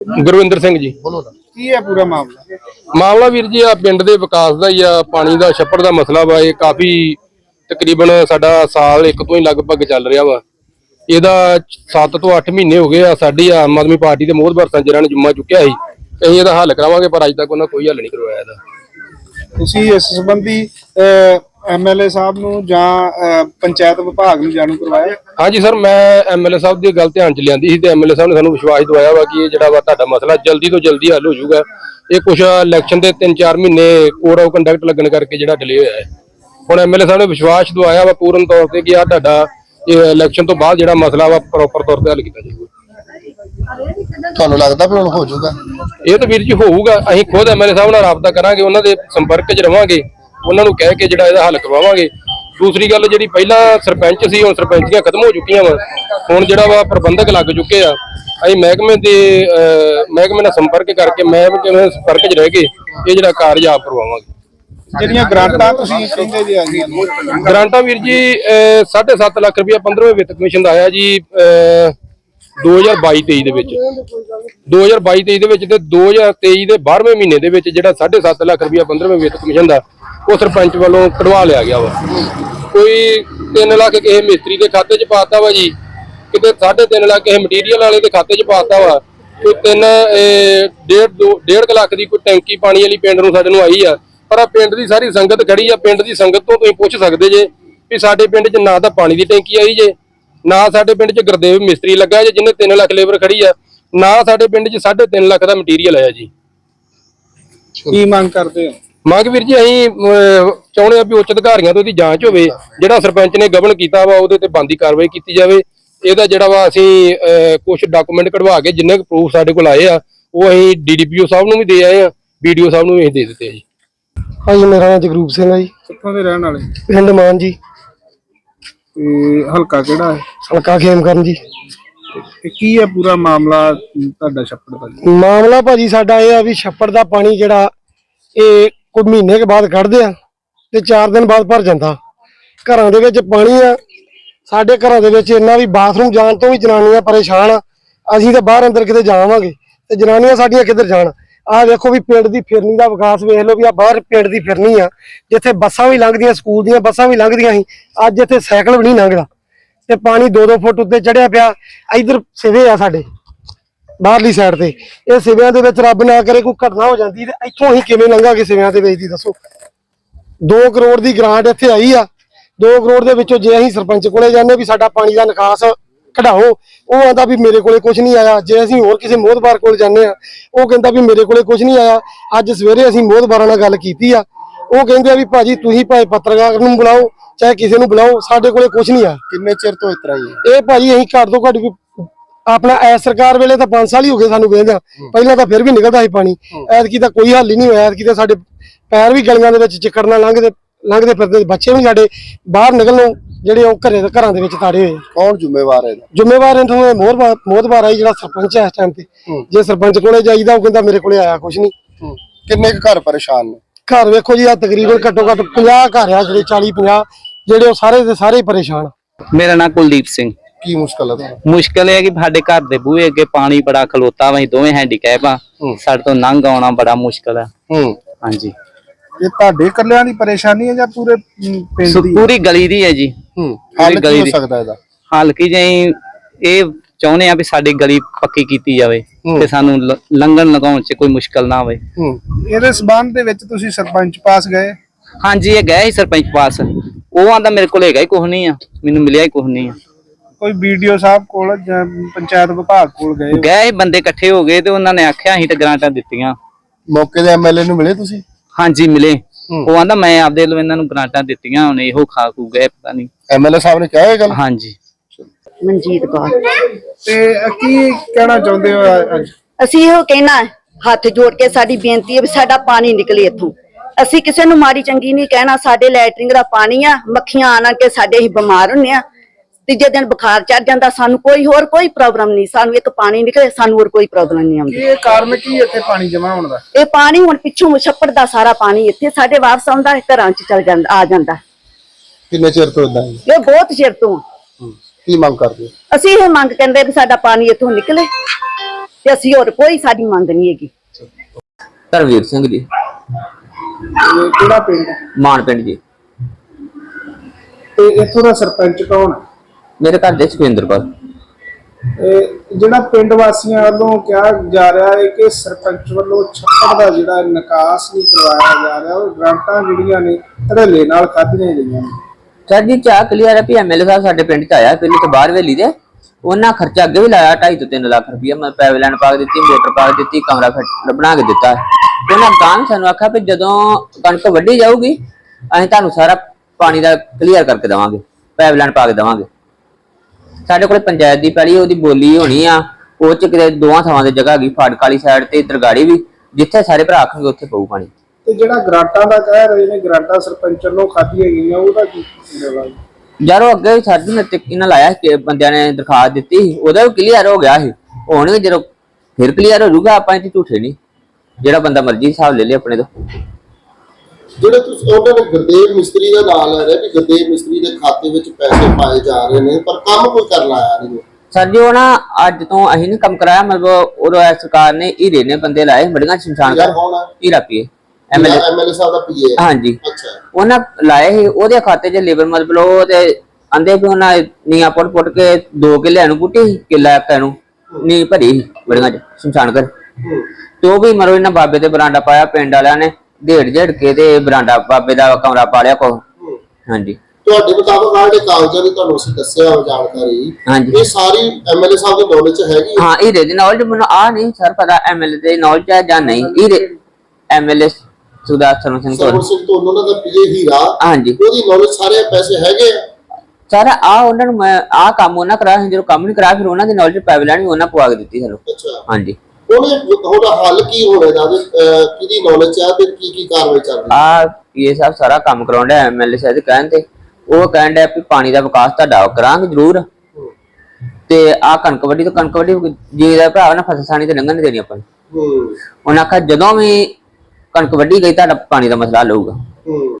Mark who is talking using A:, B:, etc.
A: ਗੁਰਵਿੰਦਰ ਸਿੰਘ ਜੀ।
B: ਬੋਲੋ ਨਾ ਕੀ ਹੈ ਪੂਰਾ
A: ਮਾਮਲਾ ਵੀਰ ਜੀ ਆ ਪਿੰਡ ਦੇ ਵਿਕਾਸ ਦਾ ਹੀ ਆ। ਪਾਣੀ ਦਾ ਛੱਪੜ ਦਾ ਮਸਲਾ ਵਾ। ਇਹ ਕਾਫੀ ਤਕਰੀਬਨ ਸਾਡਾ ਸਾਲ ਇੱਕ ਤੋਂ ਹੀ ਲਗਭਗ ਚੱਲ ਰਿਹਾ ਵਾ। ਇਹਦਾ 7 ਤੋਂ 8 ਮਹੀਨੇ ਹੋ ਗਏ ਆ। ਸਾਡੀ ਆਮ ਆਦਮੀ ਪਾਰਟੀ ਦੇ ਮੋਹਤਬਰ ਸੰਜਰਾਂ ਨੇ ਜੁਮਾ ਚੁੱਕਿਆ ਸੀ, ਅਸੀਂ ਇਹਦਾ ਹੱਲ ਕਰਾਵਾਂਗੇ, ਪਰ ਅੱਜ ਤੱਕ ਉਹਨਾਂ ਕੋਈ ਹੱਲ ਨਹੀਂ ਕਰਵਾਇਆ ਇਹਦਾ।
B: ਤੁਸੀਂ ਇਸ ਸੰਬੰਧੀ ਐਮਐਲਏ ਸਾਹਿਬ ਨੂੰ ਜਾਂ ਪੰਚਾਇਤ ਵਿਭਾਗ ਨੂੰ ਜਾਣੂ ਕਰਵਾਇਆ?
A: ਹਾਂਜੀ ਸਰ, ਮੈਂ ਐਮਐਲਏ ਸਾਹਿਬ ਦੀ ਗੱਲ ਧਿਆਨ ਚ ਲਿਆਂਦੀ ਸੀ ਤੇ ਐਮਐਲਏ ਸਾਹਿਬ ਨੇ ਸਾਨੂੰ ਵਿਸ਼ਵਾਸ ਦਿਵਾਇਆ ਵਾ ਕਿ ਇਹ ਜਿਹੜਾ ਵਾ ਤੁਹਾਡਾ ਮਸਲਾ ਜਲਦੀ ਤੋਂ ਜਲਦੀ ਹੱਲ ਹੋ ਜਾਊਗਾ। ਇਹ ਕੁਛ ਇਲੈਕਸ਼ਨ ਦੇ 3-4 ਮਹੀਨੇ ਕੋਡ ਆਫ ਕੰਡਕਟ ਲੱਗਣ ਕਰਕੇ ਜਿਹੜਾ ਡਿਲੇ ਹੋਇਆ ਹੈ। ਹੁਣ ਐਮਐਲਏ ਸਾਹਿਬ ਨੇ ਵਿਸ਼ਵਾਸ ਦਿਵਾਇਆ ਵਾ ਪੂਰਨ ਤੌਰ ਤੇ ਕਿ ਆ ਤੁਹਾਡਾ ਇਹ ਇਲੈਕਸ਼ਨ ਤੋਂ ਬਾਅਦ ਜਿਹੜਾ ਮਸਲਾ ਵਾ ਪ੍ਰੋਪਰ ਤੌਰ ਤੇ ਹੱਲ ਕੀਤਾ ਜਾਊਗਾ।
B: ਤੁਹਾਨੂੰ ਲੱਗਦਾ ਵੀ ਹੁਣ ਹੋ ਜਾਊਗਾ?
A: ਇਹ ਤਾਂ ਵੀਰ ਜੀ ਹੋਊਗਾ। ਅਸੀਂ ਖੁਦ ਐਮਐਲਏ ਸਾਹਿਬ ਨਾਲ ਰਾਬਤਾ ਕਰਾਂਗੇ, ਉਹਨਾਂ ਦੇ ਸੰਪਰਕ 'ਚ ਰਵਾਂਗੇ, ਉਹਨਾਂ ਨੂੰ ਕਹਿ ਕੇ ਜਿਹੜਾ ਇਹਦਾ ਹੱਲ ਕਰਵਾਵਾਂਗੇ। ਦੂਸਰੀ ਗੱਲ, ਜਿਹੜੀ ਪਹਿਲਾਂ ਸਰਪੰਚ ਸੀ ਹੁਣ ਸਰਪੰਚੀਆਂ ਖਤਮ ਹੋ ਚੁੱਕੀਆਂ ਵਾ। ਹੁਣ ਜਿਹੜਾ ਵਾ ਪ੍ਰਬੰਧਕ ਲੱਗ ਚੁੱਕੇ ਆ। ਅਸੀਂ ਮਹਿਕਮੇ ਨਾਲ ਸੰਪਰਕ ਕਰਕੇ ਮਹਿਕਮੇ ਦੇ ਸੰਪਰਕ 'ਚ ਰਹਿ ਕੇ ਇਹ ਜਿਹੜਾ ਕਾਰਜ ਆਪ ਕਰਵਾਵਾਂਗੇ।
B: ਜਿਹੜੀਆਂ ਗ੍ਰਾਂਟਾਂ ਤੁਸੀਂ ਕਹਿੰਦੇ ਜੀ ਆਈਆਂ
A: ਗ੍ਰਾਂਟਾਂ ਵੀਰ ਜੀ 7.5 ਲੱਖ ਰੁਪਇਆ 15ਵੇਂ ਵਿੱਤ ਕਮਿਸ਼ਨ ਦਾ ਆਇਆ ਜੀ 2022-23 ਦੇ ਵਿੱਚ। 2022-23 ਦੇ ਵਿੱਚ ਤੇ 2023 ਦੇ 12ਵੇਂ ਮਹੀਨੇ ਦੇ ਵਿੱਚ ਜਿਹੜਾ 7.5 ਲੱਖ ਰੁਪਇਆ 15ਵੇਂ ਵਿੱਤ ਕਮਿਸ਼ਨ ਦਾ ਉਹ ਸਰਪੰਚ ਵੱਲੋਂ ਕਢਵਾ ਲਿਆ ਗਿਆ ਵਾ। ਕੋਈ 3 ਲੱਖ ਕਿਸੇ ਮਿਸਤਰੀ ਦੇ ਖਾਤੇ 'ਚ ਪਾਤਾ ਵਾ ਜੀ, ਕਿਤੇ 3.5 ਲੱਖ ਕਿਸੇ ਮਟੀਰੀਅਲ ਵਾਲੇ ਦੇ ਖਾਤੇ 'ਚ ਪਾਤਾ ਵਾ। ਕੋਈ 1.5 ਲੱਖ ਦੀ ਕੋਈ ਟੈਂਕੀ ਪਾਣੀ ਵਾਲੀ ਪਿੰਡ ਨੂੰ ਸਾਡੇ ਨੂੰ ਆਈ ਆ। ਪਰ ਪਿੰਡ ਦੀ ਸਾਰੀ ਸੰਗਤ ਖੜੀ ਆ। ਪਿੰਡ ਦੀ ਸੰਗਤ ਤੋਂ ਤੁਸੀਂ ਪੁੱਛ ਸਕਦੇ ਜੇ ਵੀ ਸਾਡੇ ਪਿੰਡ 'ਚ ਨਾ ਤਾਂ ਪਾਣੀ ਦੀ ਟੈਂਕੀ ਆਈ ਜੇ, ਨਾ ਸਾਡੇ ਪਿੰਡ 'ਚ ਗੁਰਦੇਵ ਮਿਸਤਰੀ ਲੱਗਾ ਜੇ ਜਿਹਨੇ 3 ਲੱਖ ਲੇਬਰ ਖੜੀ ਆ, ਨਾ ਸਾਡੇ ਪਿੰਡ 'ਚ 3.5 ਲੱਖ ਦਾ ਮਟੀਰੀਅਲ ਆਇਆ ਜੀ।
B: ਕੀ ਮੰਗ ਕਰਦੇ ਹੋ?
A: ਮੰਗ ਵੀਰ ਜੀ ਅਸੀਂ ਚਾਹੁੰਦੇ ਆ ਵੀ ਉੱਚ ਅਧਿਕਾਰੀਆਂ ਤੋਂ ਇਹਦੀ ਜਾਂਚ ਹੋਵੇ। ਜਿਹੜਾ ਸਰਪੰਚ ਨੇ ਗਬਨ ਕੀਤਾ ਵਾ ਉਹਦੇ ਤੇ ਬਣਦੀ ਕਾਰਵਾਈ ਕੀਤੀ ਜਾਵੇ। ਇਹਦਾ ਜਿਹੜਾ ਵਾ ਅਸੀਂ ਕੁਝ ਡਾਕੂਮੈਂਟ ਕਢਵਾ ਕੇ ਜਿੰਨੇ ਕੁ ਪ੍ਰੂਫ ਸਾਡੇ ਕੋਲ ਆਏ ਆ ਉਹ ਅਸੀਂ ਡੀਡੀਪੀਓ ਸਾਹਿਬ ਨੂੰ ਵੀ ਦੇ ਆਏ ਆ, ਵੀਡੀਓ ਸਾਹਿਬ ਨੂੰ ਵੀ ਅਸੀਂ ਦੇ ਦਿੱਤੇ ਆ ਜੀ।
C: ਹਾਂਜੀ, ਮੇਰਾ ਨਾਮ ਜਗਰੂਪ ਸਿੰਘ ਹੈ ਜੀ।
B: ਕਿੱਥੋਂ ਦੇ ਰਹਿਣ ਵਾਲੇ?
C: ਪਿੰਡ ਮਾਨ ਜੀ।
B: ਤੇ ਹਲਕਾ ਕਿਹੜਾ ਹੈ?
C: ਹਲਕਾ ਖੇਮਕਰਨ ਜੀ।
B: ਤੇ ਕੀ ਹੈ ਪੂਰਾ ਮਾਮਲਾ ਤੁਹਾਡਾ ਛੱਪੜ ਦਾ?
C: ਮਾਮਲਾ ਭਾਜੀ ਸਾਡਾ ਇਹ ਆ ਵੀ ਛੱਪੜ ਦਾ ਪਾਣੀ ਜਿਹੜਾ ਇਹ ਕੋਈ ਮਹੀਨੇ ਕੇ ਬਾਅਦ ਕੱਢਦੇ ਆ ਤੇ 4 ਦਿਨ ਬਾਅਦ ਭਰ ਜਾਂਦਾ। ਘਰਾਂ ਦੇ ਵਿੱਚ ਪਾਣੀ ਆ। ਸਾਡੇ ਘਰਾਂ ਦੇ ਵਿੱਚ ਇੰਨਾ ਵੀ ਬਾਥਰੂਮ ਜਾਣ ਤੋਂ ਵੀ ਜਨਾਨੀਆਂ ਪਰੇਸ਼ਾਨ ਆ। ਅਸੀਂ ਤਾਂ ਬਾਹਰ ਅੰਦਰ ਕਿਤੇ ਜਾਵਾਂਗੇ ਤੇ ਜਨਾਨੀਆਂ ਸਾਡੀਆਂ ਕਿੱਧਰ ਜਾਣ? ਆਹ ਵੇਖੋ ਵੀ ਪਿੰਡ ਦੀ ਫਿਰਨੀ ਦਾ ਵਿਕਾਸ ਵੇਖ ਲਓ ਵੀ ਆ ਬਾਹਰ ਪਿੰਡ ਦੀ ਫਿਰਨੀ ਆ, ਜਿੱਥੇ ਬੱਸਾਂ ਵੀ ਲੰਘਦੀਆਂ, ਸਕੂਲ ਦੀਆਂ ਬੱਸਾਂ ਵੀ ਲੰਘਦੀਆਂ ਸੀ, ਅੱਜ ਇੱਥੇ ਸਾਈਕਲ ਵੀ ਨਹੀਂ ਲੰਘਦਾ ਤੇ ਪਾਣੀ 2-2 ਫੁੱਟ ਉੱਤੇ ਚੜਿਆ ਪਿਆ। ਇਧਰ ਸਿਵੇ ਆ ਸਾਡੇ ਬਾਹਰਲੀ ਸਾਈਡ ਤੇ। ਇਹ ਸਿਵਿਆਂ ਦੇ ਵਿੱਚ ਰੱਬ ਨਾ ਕਰੇ ਕੋਈ ਘਟਨਾ ਹੋ ਜਾਂਦੀ ਤੇ ਇੱਥੋਂ ਅਸੀਂ ਕਿਵੇਂ ਲੰਘਾਂਗੇ ਸਿਵਿਆਂ ਦੇ ਵਿੱਚ ਦੀ ਦੱਸੋ? 2 ਕਰੋੜ ਦੀ ਗ੍ਰਾਂਟ ਇੱਥੇ ਆਈ ਆ। 2 ਕਰੋੜ ਦੇ ਵਿੱਚੋਂ ਜੇ ਅਸੀਂ ਸਰਪੰਚ ਕੋਲੇ ਜਾਂਦੇ ਵੀ ਸਾਡਾ ਪਾਣੀ ਦਾ ਨਿਕਾਸ ਕਢਾਓ, ਉਹ ਆਂਦਾ ਵੀ ਮੇਰੇ ਕੋਲੇ ਕੁਝ ਨਹੀਂ ਆਇਆ। ਜੇ ਅਸੀਂ ਹੋਰ ਕਿਸੇ ਮੋਹਤਬਾਰ ਕੋਲ ਜਾਂਦੇ ਆ ਉਹ ਕਹਿੰਦਾ ਵੀ ਮੇਰੇ ਕੋਲੇ ਕੁਝ ਨਹੀਂ ਆਇਆ। ਅੱਜ ਸਵੇਰੇ ਅਸੀਂ ਮੋਹਤਬਾਰਾਂ ਨਾਲ ਗੱਲ ਕੀਤੀ ਆ, ਉਹ ਕਹਿੰਦੇ ਆ ਵੀ ਭਾਜੀ ਤੁਸੀਂ ਭਾਵੇਂ ਪੱਤਰਕਾਰ ਨੂੰ ਬੁਲਾਓ ਚਾਹੇ ਕਿਸੇ ਨੂੰ ਬੁਲਾਓ, ਸਾਡੇ ਕੋਲੇ ਕੁਝ ਨਹੀਂ ਆ।
B: ਕਿੰਨੇ ਚਿਰ ਤੋਂ ਇਸ ਤਰ੍ਹਾਂ ਹੀ ਹੈ?
C: ਇਹ ਭਾਜੀ ਅਸੀਂ ਘੱਟ ਤੋਂ ਘੱਟ ਆਪਣਾ ਐਸ ਸਰਕਾਰ ਵੇਲੇ ਤਾਂ 5 ਸਾਲ ਹੀ ਹੋ ਗਏ ਸਾਨੂੰ ਵੇਂਦਿਆਂ। ਪਹਿਲਾਂ ਤਾਂ ਫਿਰ ਵੀ ਨਿਕਲਦਾ ਸੀ ਪਾਣੀ, ਐਤਕੀ ਤਾਂ ਕੋਈ ਹੱਲ ਹੀ ਨਹੀਂ ਹੋਇਆ। ਐਤਕੀ ਤਾਂ ਸਾਡੇ ਪੈਰ ਵੀ ਗਲੀਆਂ ਦੇ ਵਿੱਚ ਚਿੱਕੜ ਨਾਲ ਲੰਘਦੇ ਫਿਰਦੇ, ਬੱਚੇ ਵੀ ਸਾਡੇ ਬਾਹਰ ਨਿਕਲਣੋਂ ਜਿਹੜੇ ਉਹ ਘਰਾਂ ਦੇ ਵਿੱਚ ਤਾੜੇ ਹੋਏ।
B: ਕੌਣ ਜ਼ਿੰਮੇਵਾਰ ਹੈ?
C: ਜ਼ਿੰਮੇਵਾਰ ਇੱਥੋਂ ਮੋਹਤਬਾਰ ਆਈ ਜਿਹੜਾ ਸਰਪੰਚ ਹੈ ਇਸ ਟਾਈਮ ਤੇ। ਜੇ ਸਰਪੰਚ ਕੋਲੇ ਜਾਈਦਾ ਉਹ ਕਹਿੰਦਾ ਮੇਰੇ ਕੋਲੇ ਆਇਆ ਕੁਝ ਨਹੀਂ।
B: ਕਿੰਨੇ ਘਰ ਪਰੇਸ਼ਾਨ ਨੇ?
C: ਘਰ ਵੇਖੋ ਜੀ ਆ ਤਕਰੀਬਨ ਘੱਟੋ ਘੱਟ 50 ਘਰ ਆ, ਜਿਹੜੇ 40-50 ਜਿਹੜੇ ਉਹ ਸਾਰੇ ਦੇ ਸਾਰੇ ਪਰੇਸ਼ਾਨ।
D: ਮੇਰਾ ਨਾਮ ਕੁਲਦੀਪ ਸਿੰਘ।
B: ਕੀ ਮੁਸ਼ਕਲ ਹੈ?
D: ਮੁਸ਼ਕਲ ਇਹ ਹੈ ਕਿ ਸਾਡੇ ਘਰ ਦੇ ਬੂਹੇ ਅੱਗੇ ਪਾਣੀ ਬੜਾ ਖਲੋਤਾ ਵਾ। ਅਸੀਂ ਦੋਵੇਂ ਹੈਂਡੀਕੈਪ ਆ, ਸਾਡੇ ਤੋਂ ਲੰਘ ਆਉਣਾ ਬੜਾ ਮੁਸ਼ਕਲ ਹੈ। ਹਾਂਜੀ,
B: ਇਹ ਤੁਹਾਡੇ ਇਕੱਲਿਆਂ ਦੀ ਪਰੇਸ਼ਾਨੀ ਹੈ ਜਾਂ ਪੂਰੇ ਪਿੰਡ ਦੀ?
D: ਪੂਰੀ ਗਲੀ ਦੀ ਹੈ ਜੀ।
B: ਹੱਲ ਕੀ ਹੋ ਸਕਦਾ ਇਹਦਾ?
D: ਹੱਲ ਕੀ ਜੇ ਇਹ ਚਾਹੁੰਦੇ ਆ ਵੀ ਸਾਡੀ ਗਲੀ ਪੱਕੀ ਕੀਤੀ ਜਾਵੇ ਤੇ ਸਾਨੂੰ ਲੰਘਣ ਲਗਾਉਣ ਚ ਕੋਈ ਮੁਸ਼ਕਲ ਨਾ ਹੋਵੇ।
B: ਇਹਦੇ ਸਬੰਧ ਦੇ ਵਿੱਚ ਤੁਸੀਂ ਸਰਪੰਚ ਪਾਸ ਗਏ?
D: ਹਾਂਜੀ, ਇਹ ਗਏ ਸੀ ਸਰਪੰਚ ਪਾਸ। ਉਹ ਆਂਦਾ ਮੇਰੇ ਕੋਲ ਹੈਗਾ ਹੀ ਕੁਝ ਨਹੀਂ ਆ, ਮੈਨੂੰ ਮਿਲਿਆ ਹੀ ਕੁਝ ਨਹੀਂ ਆ।
B: ਕੋਈ ਵੀਡੀਓ ਸਾਹਿਬ ਕੋਲ ਜਾਂ ਪੰਚਾਇਤ ਵਿਭਾਗ ਕੋਲ
D: ਗਏ ਬੰਦੇ ਇਕੱਠੇ ਹੋ ਗਏ ਤੇ ਉਹਨਾਂ ਨੇ ਆਖਿਆ ਅਸੀਂ ਤਾਂ ਗ੍ਰਾਂਟਾਂ ਦਿੱਤੀਆਂ।
B: ਮੌਕੇ ਦੇ ਐਮਐਲਏ ਨੂੰ ਮਿਲੇ ਤੁਸੀਂ?
D: ਹਾਂਜੀ ਮਿਲੇ। ਉਹ ਆਂਦਾ ਮੈਂ ਆਪਦੇ ਵੱਲੋਂ ਇਹਨਾਂ ਨੂੰ ਗ੍ਰਾਂਟਾਂ ਦਿੱਤੀਆਂ, ਹੁਣ ਇਹੋ ਖਾ ਖੂ ਗਏ ਪਤਾ ਨਹੀਂ।
B: ਐਮਐਲਏ ਸਾਹਿਬ ਨੇ ਕਿਹਾ ਇਹ ਗੱਲ?
D: ਹਾਂਜੀ।
E: ਮਨਜੀਤ ਕੌਰ।
B: ਤੇ ਕੀ ਕਹਿਣਾ ਚਾਹੁੰਦੇ ਹੋ ਅੱਜ?
E: ਅਸੀਂ ਇਹੋ ਕਹਿਣਾ, ਹੱਥ ਜੋੜ ਕੇ ਸਾਡੀ ਬੇਨਤੀ ਹੈ ਵੀ ਸਾਡਾ ਪਾਣੀ ਨਿਕਲੇ ਇੱਥੋਂ। ਅਸੀਂ ਕਿਸੇ ਨੂੰ ਮਾੜੀ ਚੰਗੀ ਨਹੀਂ ਕਹਿਣਾ। ਸਾਡੇ ਲੈਟਰਿੰਗ ਦਾ ਪਾਣੀ ਆ, ਮੱਖੀਆਂ ਆਣ ਕੇ ਸਾਡੇ ਅਸੀਂ ਬਿਮਾਰ ਹੁੰਨੇ ਆ। ਤੀਜੇ ਦਿਨ ਬੁਖਾਰ ਚੜ ਜਾਂਦਾ। ਸਾਨੂੰ ਕੋਈ ਪ੍ਰੋਬਲਮ ਨਹੀਂ। ਸਾਨੂੰ ਇੱਕ ਪਾਣੀ ਨਿਕਲੇ, ਸਾਨੂੰ ਹੋਰ ਕੋਈ ਪ੍ਰੋਬਲਮ ਨਹੀਂ ਆਉਂਦੀ।
B: ਇਹ ਕਾਰਨ ਕੀ ਇੱਥੇ ਪਾਣੀ ਜਮਾ ਹੋਣ ਦਾ?
E: ਇਹ ਪਾਣੀ ਹੁਣ ਪਿੱਛੋਂ ਛੱਪੜ ਦਾ ਸਾਰਾ ਪਾਣੀ ਇੱਥੇ ਸਾਡੇ ਵਾਪਸ ਆਉਂਦਾ, ਘਰਾਂ 'ਚ ਚਲ ਜਾਂਦਾ, ਆ ਜਾਂਦਾ।
B: ਕਿੰਨੇ ਚਿਰ ਤੋਂ ਇਦਾਂ?
E: ਇਹ ਬਹੁਤ ਚਿਰ ਤੋਂ।
B: ਕੀ ਮੰਗ ਕਰਦੇ?
E: ਅਸੀਂ ਇਹ ਮੰਗ ਕਰਦੇ ਵੀ ਸਾਡਾ ਪਾਣੀ ਇੱਥੋਂ ਨਿਕਲੇ। ਤੇ ਅਸੀਂ ਹੋਰ ਕੋਈ ਸਾਡੀ ਮੰਗ ਨਹੀਂ ਹੈਗੀ।
F: ਧਰਮਵੀਰ ਸਿੰਘ ਜੀ,
B: ਇਹ ਕਿਹੜਾ ਪਿੰਡ ਹੈ?
F: ਮਾਨ ਪਿੰਡ ਜੀ।
B: ਤੇ ਇੱਥੋਂ ਦਾ ਸਰਪੰਚ ਕੌਣ ਹੈ?
F: ਮੇਰੇ ਘਰ ਦੇ ਸੁਖਿੰਦਰ ਕੌਰ।
B: ਇਹ ਜਿਹੜਾ ਪਿੰਡ ਵਾਸੀਆਂ ਵੱਲੋਂ ਕਿਹਾ ਜਾ ਰਿਹਾ ਹੈ ਕਿ ਸਰਪੰਚ ਵੱਲੋਂ ਛੱਪੜ ਦਾ ਜਿਹੜਾ ਨਿਕਾਸ ਨਹੀਂ ਕਰਵਾਇਆ ਜਾ ਰਿਹਾ, ਉਹ ਗ੍ਰਾਂਟਾਂ ਜਿਹੜੀਆਂ ਨੇ ਧੜੇਲੇ ਨਾਲ ਖਾਧੀਆਂ ਗਈਆਂ ਨੇ।
F: ਸਰ ਜੀ ਚਾਹ ਕਲੀਅਰ ਹੈ ਵੀ ਐਮਐਲਏ ਸਾਹਿਬ ਸਾਡੇ ਪਿੰਡ ਚ ਆਇਆ ਪਹਿਲੇ ਤੋਂ ਬਾਹਰ ਵੇਲੀ ਦੇ, ਉਹਨਾਂ ਖਰਚਾ ਅੱਗੇ ਵੀ ਲਾਇਆ 2.5 ਤੋਂ 3 ਲੱਖ ਰੁਪਇਆ। ਮੈਂ ਪਾਈਪਲਾਈਨ ਪਾ ਕੇ ਦਿੱਤੀ, ਮੋਟਰ ਪਾ ਕੇ ਦਿੱਤੀ, ਕਮਰਾ ਫਿੱਟ ਬਣਾ ਕੇ ਦਿੱਤਾ। ਤੇ ਉਹਨਾਂ ਗਾਂ ਸਾਨੂੰ ਆਖਿਆ ਵੀ ਜਦੋਂ ਕਣਕ ਵੱਢੀ ਜਾਊਗੀ ਅਸੀਂ ਤੁਹਾਨੂੰ ਸਾਰਾ ਪਾਣੀ ਦਾ ਕਲੀਅਰ ਕਰਕੇ ਦੇਵਾਂਗੇ, ਪਾਈਪਲਾਈਨ ਪਾ ਕੇ ਦੇਵਾਂਗੇ। ਸਾਡੇ ਕੋਲ ਪੰਚਾਇਤ ਦੀ ਪੈਲੀ ਉਹਦੀ ਬੋਲੀ ਹੋਣੀ ਆ, ਉਹ ਚ ਕਿਤੇ ਦੋਵਾਂ ਥਾਵਾਂ ਦੀ ਜਗ੍ਹਾ ਹੈਗੀ, ਫਾਟਕ ਵਾਲੀ ਸਾਈਡ ਤੇ ਦਰਗਾੜੀ ਵੀ, ਜਿੱਥੇ ਸਾਰੇ ਭਰਾ ਆਖਣਗੇ ਉੱਥੇ ਪਊ ਪਾਣੀ।
B: ਤੇ ਜਿਹੜਾ ਗ੍ਰਾਂਟਾਂ ਦਾ ਕਹਿ ਰਹੇ ਨੇ ਗ੍ਰਾਂਟਾਂ ਸਰਪੰਚ ਵੱਲੋਂ ਖਾਧੀਆਂ ਗਈਆਂ, ਉਹਦਾ ਕੀ ਮਤਲਬ ਹੈ?
F: ਯਾਰ ਉਹ ਅੱਗੇ ਵੀ ਸਾਡੀ ਨੇ ਇਹਨਾਂ ਲਾਇਆ ਕਿ ਬੰਦਿਆਂ ਨੇ ਦਰਖਾਸਤ ਦਿੱਤੀ ਸੀ, ਉਹਦਾ ਵੀ ਕਲੀਅਰ ਹੋ ਗਿਆ ਸੀ। ਹੁਣ ਵੀ ਜਦੋਂ ਫਿਰ ਕਲੀਅਰ ਹੋ ਜਾਊਗਾ, ਆਪਾਂ ਇੱਥੇ ਝੂਠੇ ਨਹੀਂ, ਜਿਹੜਾ ਬੰਦਾ ਮਰਜ਼ੀ ਹਿਸਾਬ ਲੈ ਲੇ ਆਪਣੇ ਤੋਂ।
G: ਜਿਹੜੇ ਤੁਸੀਂ ਉਹਨਾਂ ਨੇ ਗੁਰਦੇਵ ਮਿਸਤਰੀ ਦਾ ਨਾਮ ਲੈ ਰਿਹਾ ਕਿ ਗੁਰਦੇਵ ਮਿਸਤਰੀ ਦੇ ਖਾਤੇ ਵਿੱਚ ਪੈਸੇ ਪਾਏ ਜਾ ਰਹੇ ਨੇ, ਪਰ ਕੰਮ ਕੋਈ ਕਰਨ ਆਇਆ ਨਹੀਂ।
F: ਸਰ ਜੀ ਉਹ ਨਾ ਅੱਜ ਤੋਂ ਅਸੀਂ ਨਹੀਂ ਕੰਮ ਕਰਾਇਆ, ਮਤਲਬ ਉਦੋਂ ਸਰਕਾਰ ਨੇ ਹੀਰੇ ਨੇ ਬੰਦੇ ਲਾਏ ਬੜੀਆਂ ਸ਼ਮਸ਼ਾਨ ਘਾਟ, ਹੀਰਾ ਪੀਏ
G: ਐਮਐਲਏ ਸਾਹਿਬ ਦਾ ਪੀਏ।
F: ਹਾਂਜੀ,
G: ਅੱਛਾ,
F: ਉਹਨਾਂ ਲਾਏ ਸੀ ਉਹਦੇ ਖਾਤੇ 'ਚ ਲੇਬਰ, ਮਤਲਬ ਉਹ ਤੇ ਆਂਦੇ ਵੀ ਉਹਨਾਂ ਨੀਆਂ ਪੁੱਟ ਕੇ 2 ਕਿੱਲਿਆਂ ਨੂੰ ਪੁੱਟੀ, ਕਿੱਲਾ ਇੱਕ ਨੂੰ ਨੀ ਭਰੀ ਬੜੀਆਂ ਸ਼ਮਸ਼ਾਨ ਘਾਟ। ਤੇ ਉਹ ਵੀ ਮਰੋ ਇਹਨਾਂ ਬਾਬੇ ਤੇ ਬਰਾਂਡਾ ਪਾਇਆ, ਪਿੰਡ ਵਾਲਿਆਂ ਨੇ ਢੇੜ ਕੇ ਤੇ ਬਰਾਂਡਾ ਬਾਬੇ ਦਾ ਕਮਰਾ ਪਾ ਲਿਆ ਕੋ। ਹਾਂਜੀ,
G: ਤੁਹਾਡੇ ਮੁਤਾਬਕ ਆਹ ਜਿਹੜੇ ਕਾਗਜ਼ਾਂ ਦੀ ਤੁਹਾਨੂੰ ਅਸੀਂ ਦੱਸਿਆ ਜਾਣਕਾਰੀ,
F: ਹਾਂਜੀ,
G: ਇਹ ਸਾਰੀ ਐਮਐਲਏ ਸਾਹਿਬ ਦੀ ਨੌਲੇਜ ਹੈਗੀ?
F: ਹਾਂ ਹੀਰੇ ਦੀ ਨੌਲੇਜ ਮੈਨੂੰ ਆ ਨਹੀਂ ਸਰ ਪਤਾ ਐਮਐਲਏ ਦੇ ਨੌਲੇਜ ਹੈ ਜਾਂ ਨਹੀਂ। ਹੀਰੇ ਐਮਐਲਏ ਸੁਦਾ ਸਰਵਨ ਸਿੰਘ
G: ਸਰਵਨ ਸਿੰਘ ਤੋਂ ਉਹਨਾਂ ਦਾ ਪੀਏ ਹੀਰਾ,
F: ਹਾਂਜੀ,
G: ਉਹਦੀ ਨੌਲੇਜ ਸਾਰੇ ਪੈਸੇ ਹੈਗੇ ਆ?
F: ਸਾਰਾ ਆ ਉਹਨਾਂ ਨੂੰ ਮੈਂ ਆ ਕੰਮ ਉਹਨਾਂ ਕਰਾਇਆ, ਜਦੋਂ ਕੰਮ ਨਹੀਂ ਕਰਾਇਆ ਫਿਰ ਉਹਨਾਂ ਦੀ ਨੌਲੇਜ ਪਾਈਪਲਾਈਨ ਵੀ ਉਹਨਾਂ ਪਵਾ ਕੇ ਦਿੱਤੀ ਸਾਨੂੰ।
G: ਅੱਛਾ,
F: ਹਾਂਜੀ,
G: ਉਹਨੇ ਉਹਦਾ ਹੱਲ ਕੀ ਹੋਵੇਗਾ? ਕਿਹਦੀ ਨੌਲੇਜ ਆ ਤੇ ਕੀ ਕਾਰਵਾਈ ਚੱਲ ਰਹੀ?
F: ਆ ਇਹ ਸਭ ਸਾਰਾ ਕੰਮ ਕਰਾਉਂਦਾ ਐਮਐਲਏ ਸਾਹਿਬ ਕਹਿਣ ਤੇ, ਉਹ ਕਹਿਣ ਡਿਆ ਵੀ ਪਾਣੀ ਦਾ ਵਿਕਾਸ ਤੁਹਾਡਾ ਕਰਾਂਗੇ ਜ਼ਰੂਰ, ਤੇ ਆ ਕਣਕ ਵੱਢੀ ਤੋਂ ਕਣਕ ਵੱਢੀ ਜੀ ਦਾ ਭਰਾ ਨਾ ਫਸਲ ਸਾਣੀ ਤੇ ਲੰਘਣ ਨਹੀਂ ਦੇਣੀ ਆਪਾਂ ਨੂੰ। ਉਹਨਾਂ ਆਖਿਆ ਜਦੋਂ ਵੀ ਕਣਕ ਵੱਢੀ ਗਈ ਤੁਹਾਡਾ ਪਾਣੀ ਦਾ ਮਸਲਾ ਲਊਗਾ।